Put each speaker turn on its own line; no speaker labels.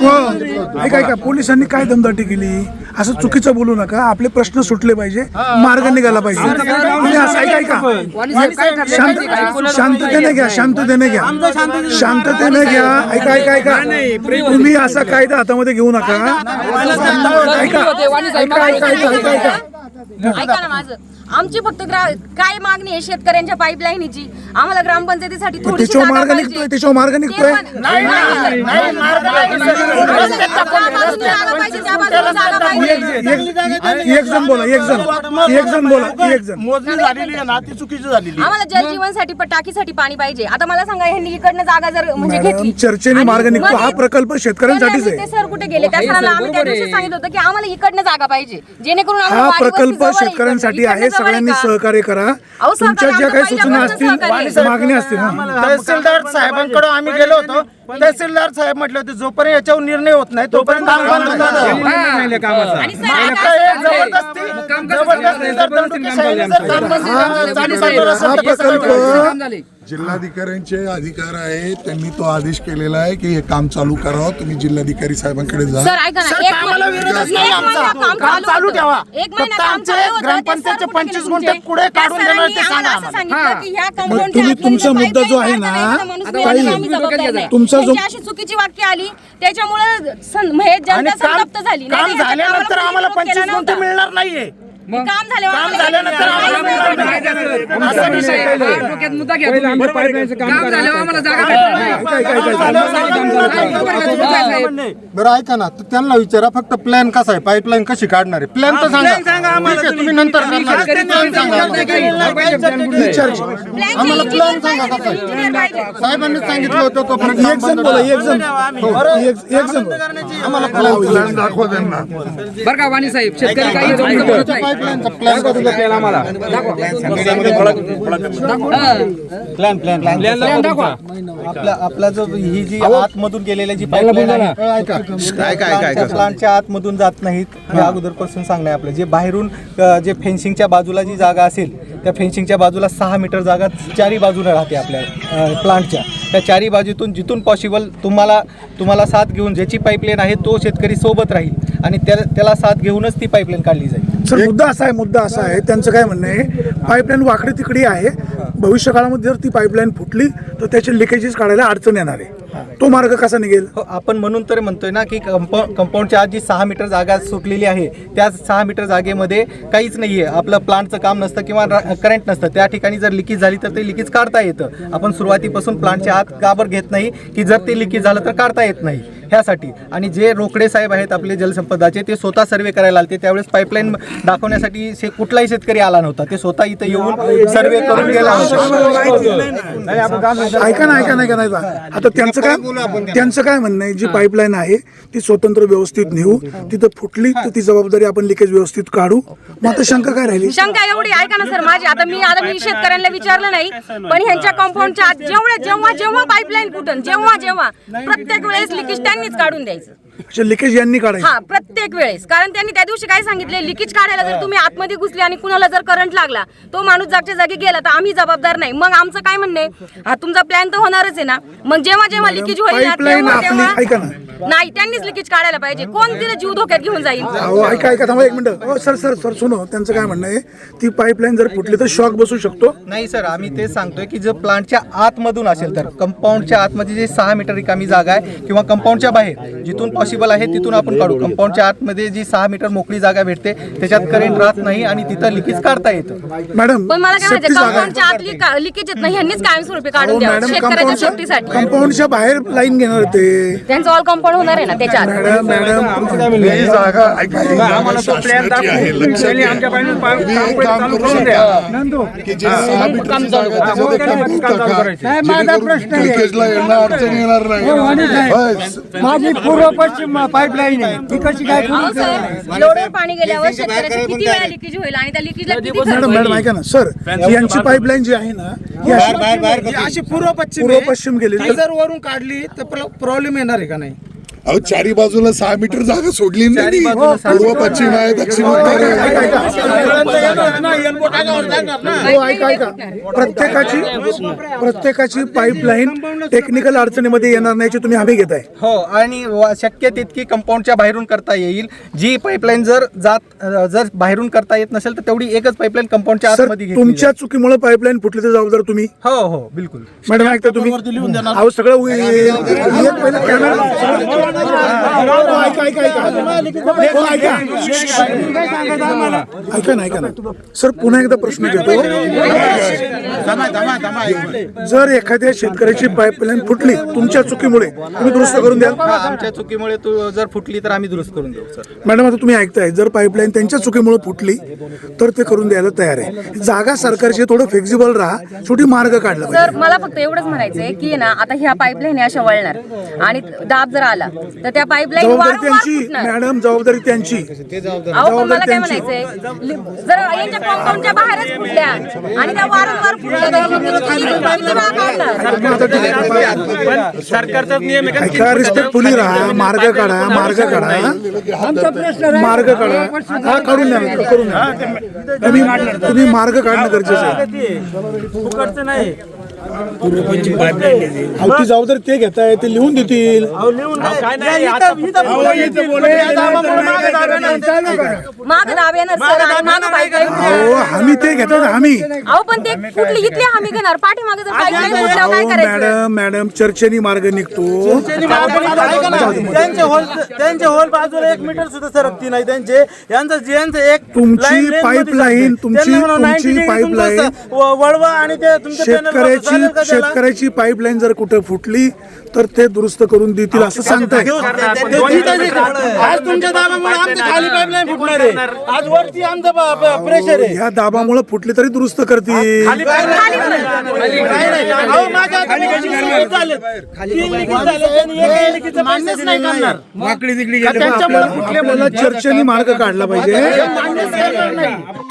ऐका पोलिसांनी काय दमदाटी केली असं चुकीचं बोलू नका. आपले प्रश्न सुटले पाहिजे, मार्ग निघाला पाहिजे. तुम्ही असं ऐका शांततेने घ्या, शांततेने घ्या. ऐका तुम्ही असा कायदा हातामध्ये घेऊ नका.
ऐका ना माझं. आमची फक्त काय मागणी आहे शेतकऱ्यांच्या पाईपलाईनची. आम्हाला ग्रामपंचायतीसाठी थोडीशी जागा पाहिजे.
त्याच्यावर मार्ग निघतोय. एक जण बोला.
मोजणी झालेली आहे ना ती चुकीची झालेली.
आम्हाला जलजीवनसाठी टाकीसाठी पाणी पाहिजे. आता मला सांगा ह्यांनी इकडनं जागा जर म्हणजे घेतली,
चर्चेने मार्ग निघतो. हा प्रकल्प शेतकऱ्यांसाठीच आहे.
ते सर कुठे गेले? त्या सरांना आम्ही त्या दिवशी सांगितलं होतं की आम्हाला इकडनं जागा पाहिजे, जेणेकरून
हा प्रकल्प शेतकऱ्यांसाठी आहे. सगळ्यांनी सहकार्य करा. तुमच्या ज्या काही सूचना असतील, मागण्या असतील.
तहसीलदार साहेबांकडे आम्ही गेलो होतो. तहसीलदार साहेब म्हटले होते जोपर्यंत याच्यावर निर्णय होत नाही तोपर्यंत काम बंद
जिल्हाधिकाऱ्यांचे अधिकार आहे. त्यांनी तो आदेश केलेला आहे की हे काम चालू करावं. तुम्ही जिल्हाधिकारी साहेबांकडे जा.
सर ऐका ना,
काम चालू ठेवा. फक्त आमचे ग्रामपंचायतचे 25 गुंठे कुठे काढून देणार ते सांगा.
तुम्ही तुमचा मुद्दा जो आहे ना, तुमचा जो
अशी चुकीची वाक्य आली त्याच्यामुळे जनता संतप्त झाली.
काम झाल्यानंतर आम्हाला 25 गुंठे मिळणार नाहीये.
काम
झाल्यानंतर असा विषय
बरं ऐका ना, तर त्यांना विचारा फक्त प्लॅन कसा आहे, पाईपलाईन कशी काढणार आहे, प्लॅन तर सांगा. तुम्ही नंतर आम्हाला प्लॅन सांगा कसा आहे. साहेबांनी सांगितलं होतं तो
आम्हाला
प्लॅन दाखवा त्यांना.
बरं का वाणी साहेब, शेतकरी काही
आपला जो ही जी आतमधून गेलेल्या जी पाईपलाईन आहे प्लांटच्या आतमधून जात नाहीत हे अगोदरपासून सांगणं आहे आपलं. जे बाहेरून जे फेन्सिंगच्या बाजूला जी जागा असेल त्या फेन्सिंगच्या बाजूला 6 मीटर जागा चारी बाजूने राहते आपल्या प्लांटच्या. त्या चारी बाजूतून जिथून पॉसिबल तुम्हाला साथ घेऊन ज्याची पाईपलाईन आहे तो शेतकरी सोबत राहील आणि त्याला साथ घेऊनच ती पाईपलाईन काढली जाईल.
सर मुद्दा असा आहे त्यांचं काय म्हणणं आहे, पाईपलाईन वाकडी तिकडी आहे. भविष्य काळामध्ये जर ती पाईपलाईन फुटली तर त्याचे लिकेजेस काढायला अडचण येणार आहे. तो मार्ग कसा निघेल?
आपण म्हणून तर म्हणतोय ना की कंपाऊंडच्या आत जी 6 मीटर जागा सुटलेली आहे त्या 6 मीटर जागेमध्ये काहीच नाहीये. आपलं प्लांटचं काम नसतं किंवा करंट नसतं. त्या ठिकाणी जर लिकेज झाली तर ते लिकेज काढता येतं. आपण सुरुवातीपासून प्लांटच्या आत काबर घेत नाही की जर ते लिकेज झालं तर काढता येत नाही ह्यासाठी. आणि जे रोकडे साहेब आहेत आपले जलसंपदाचे ते स्वतः सर्वे करायला आले. त्यावेळेस पाईपलाईन दाखवण्यासाठी कुठलाही शेतकरी आला नव्हता. ते स्वतः इथं येऊन सर्वे करून गेला होता.
ऐका ना आता त्यांचं काय म्हणणं आहे, जी पाईपलाईन आहे ती स्वतंत्र व्यवस्थित नेऊ, तिथं फुटली तर ती जबाबदारी आपण लिकेज व्यवस्थित काढू. मग आता शंका काय राहिली?
शंका एवढी ऐका ना सर माझी. आता मी शेतकऱ्यांना विचारलं नाही, पण ह्यांच्या कंपाऊंडच्या आत जेव्हा पाईपलाईन फुटन जेव्हा प्रत्येक वेळेस लिकेज त्यांनीच काढून द्यायचं.
लिकेज यांनी काढायचं.
हा प्रत्येक वेळेस. कारण त्यांनी त्या दिवशी काय सांगितले, लिकेज काढायला जर तुम्ही आतमध्ये घुसले आणि कुणाला जर करंट लागला तो माणूस जागच्या जागी गेला तर आम्ही जबाबदार नाही. मग आमचं काय म्हणणं आहे, हा तुमचा प्लॅन तर होणारच आहे ना. मग जेव्हा लिकेज होईल नाही त्यांनीच लिकेज काढायला पाहिजे. कोण तिला जीव धोक्यात घेऊन जाईल?
ऐका थांबा एक मिनिट. सर सुनो, त्यांचं काय म्हणणं आहे, ती पाईपलाईन जर फुटली तर शॉक बसू शकतो.
नाही सर, आम्ही तेच सांगतोय की जर प्लांटच्या आतमधून असेल तर कंपाऊंडच्या आतमध्ये जे 6 मीटर रिकामी जागा आहे किंवा कंपाऊंडच्या बाहेर जिथून पॉसिबल आहे तिथून आपण काढू. कंपाऊंडच्या आतमध्ये जी 6 मीटर मोकळी जागा भेटते त्याच्यात करंट राहत नाही आणि तिथं लिकेज काढता येतं.
मॅडम
पण मला काय माहिती, कंपाऊंडच्या आतली लिकेज येत नाही, ह्यांनीच कायमस्वरूपी काढून द्यावं शेतकऱ्याच्या सेफ्टीसाठी.
कंपाऊंडच्या बाहेर लाईन घेणार ते
त्यांचं ऑल कंपाऊंड होणार आहे ना त्याच्यात.
मॅडम
ही जागा ऐका, ही जागा शासनाची आहे. लक्षात घ्या. की जे 6 मीटरची जागा त्याच्यात एक काम टाका, जेणेकरून लिकेजला अडचण येणार नाही.
माझी पूर्व पश्चिम पाईपलाईन आहे ती कशी काय?
एवढं पाणी गेल्यावर शेतकऱ्याची किती वेळा लिकेज होईल आणि त्या लिकेजला किती खर्च
मॅडम
होईल?
ऐका ना सर, यांची पाईपलाईन जी आहे ना ही
अशी पूर्व
पश्चिम गेली
जर वरून काढली तर प्रॉब्लेम येणार आहे का नाही?
अहो चारी बाजूला 6 मीटर जागा सोडली नाही. पूर्व पश्चिम आहे, दक्षिण उत्तर आहे.
प्रत्येकाची पाईपलाईन टेक्निकल अडचणीमध्ये येणार नाही याची तुम्ही हमी घेताय.
हो, आणि शक्य तितकी कंपाऊंडच्या बाहेरून करता येईल. जी पाईपलाईन जर बाहेरून करता येत नसेल तर तेवढी एकच पाईपलाईन कंपाऊंडच्या
सर
आतमध्ये घेतली
तुमच्या चुकीमुळे पाईपलाईन फुटली तर जबाबदार तुम्ही.
जाईल. हो हो बिलकुल.
मॅडम ऐकता तुम्ही अहो सगळं पहिलं कॅमेरा ऐका ना सर पुन्हा एकदा प्रश्न घेतो. जर एखाद्या शेतकऱ्याची पाईपलाईन फुटली तुमच्या चुकीमुळे तुम्ही दुरुस्त करून द्याल.
आमच्या चुकीमुळे जर फुटली तर आम्ही दुरुस्त करून देऊ सर.
मॅडम आता तुम्ही ऐकताय जर पाईपलाईन त्यांच्या चुकीमुळे फुटली तर ते करून द्यायला तयार आहे. जागा सरकारची थोडं फ्लेक्झिबल राहा, शेवटी मार्ग काढला पाहिजे.
सर मला फक्त एवढंच म्हणायचंय की ना आता ह्या पाईपलाईन अशा वळणार आणि दाब जर आला तर त्या पाईपलाईन
जबाबदारी त्यांची मॅडम, जबाबदारी त्यांची.
अहो पण मला काय म्हणायचंय जर यांच्या कंपाऊंडच्या बाहेरच फुटल्या आणि त्या वारंवार फुटल्या तर किती वेळा काढणार?
सरकारचाच नियम आहे
ऐका, रिस्पेक्टफुली राहा, मार्ग काढा. हा काढून द्या. तुम्ही मार्ग काढणं गरजेचं आहे.
फुकटचं नाही.
अहो ती जबाबदारी ते घेताय, ते लिहून देतील.
माग दाब येणार सर आणि माग पाईपलाईन.
अहो हमी ते घेतात, हमी.
अहो पण ते कुठली इथली हमी घेणार पाठीमागे जर पाईपलाईन फुटल्यावर काय करायचं?
मॅडम चर्चेनी मार्ग निघतो.
त्यांचे होल बाजूला 1 मीटर सुद्धा सरकती नाही. त्यांचे यांचं एक
तुमची पाईपलाईन
वळवा आणि ते तुमच्या
शेतकऱ्याची पाईपलाईन जर कुठे फुटली तर ते दुरुस्त करून देतील असं सांगताय.
आज तुमच्या दाबामुळे आमच्या खाली पाईपलाईन फुटणार आहे. आज वरती आमचं प्रेशर आहे.
ह्या दाबामुळे फुटली तरी दुरुस्त करतील. आपल्याला चर्चेनी मार्ग काढला पाहिजे.